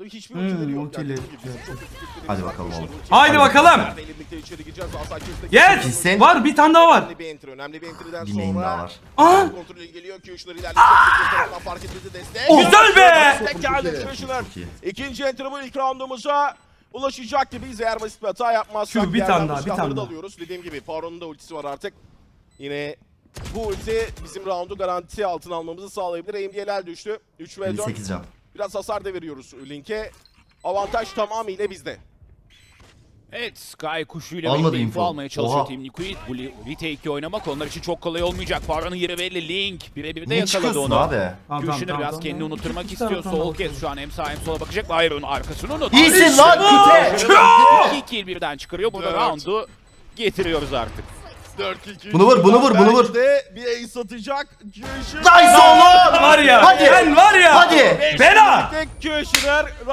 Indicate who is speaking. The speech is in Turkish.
Speaker 1: Hiçbir ultileri yok.
Speaker 2: ultileri.
Speaker 3: Hadi bakalım oğlum.
Speaker 2: Haydi bakalım. Yes.
Speaker 3: Kesin.
Speaker 2: Var bir tane daha var.
Speaker 1: Önemli bir entry'den
Speaker 3: Bir neyim daha var.
Speaker 2: Aa.
Speaker 1: kontrolü geliyor. Q'şunları ilerleyecek. Fark etmedi destek.
Speaker 2: Güzel be.
Speaker 1: Destek geldi Q'şunlar. İkinci entry bu ilk roundumuza ulaşacak gibiyiz eğer basit bir hata yapmazsak.
Speaker 2: Q bir tane daha, bir tane daha.
Speaker 1: Alıyoruz. Dediğim gibi Faron'un da ultisi var artık. Yine bu ulti bizim roundu garanti altına almamızı sağlayabilir. AMD'ler düştü. 3 ve 4.
Speaker 3: 58 can.
Speaker 1: Biraz hasar da veriyoruz Link'e. Avantaj tamamıyla bizde.
Speaker 4: Evet, Sky kuşuyla
Speaker 3: Almadı
Speaker 4: birlikte
Speaker 3: info.
Speaker 4: info almaya çalışıyor
Speaker 3: Oha.
Speaker 4: Team Liquid. Bu retake'i oynamak onlar için çok kolay olmayacak. Farah'ın yeri belli. Link birebir de
Speaker 3: Ne
Speaker 4: yakaladı
Speaker 3: çıkıyorsun
Speaker 4: onu.
Speaker 3: abi?
Speaker 4: Gülşen'i biraz kendini unutturmak istiyor. Sol kes şu an hem sağa hem sola bakacak. Hayır onun arkasını unut.
Speaker 3: İyisin lan küte.
Speaker 4: 2 kill birden çıkarıyor. Burada roundu getiriyoruz artık.
Speaker 1: 4-2.
Speaker 3: Bunu vur, bunu vur, bunu vur.
Speaker 1: Belki de bir ace atacak. Q'şun.
Speaker 3: Nice oğlum.
Speaker 2: Var ya.
Speaker 3: Hadi.
Speaker 2: Ben var ya.
Speaker 3: Hadi.
Speaker 2: Bela.
Speaker 1: Tek Q'şunlar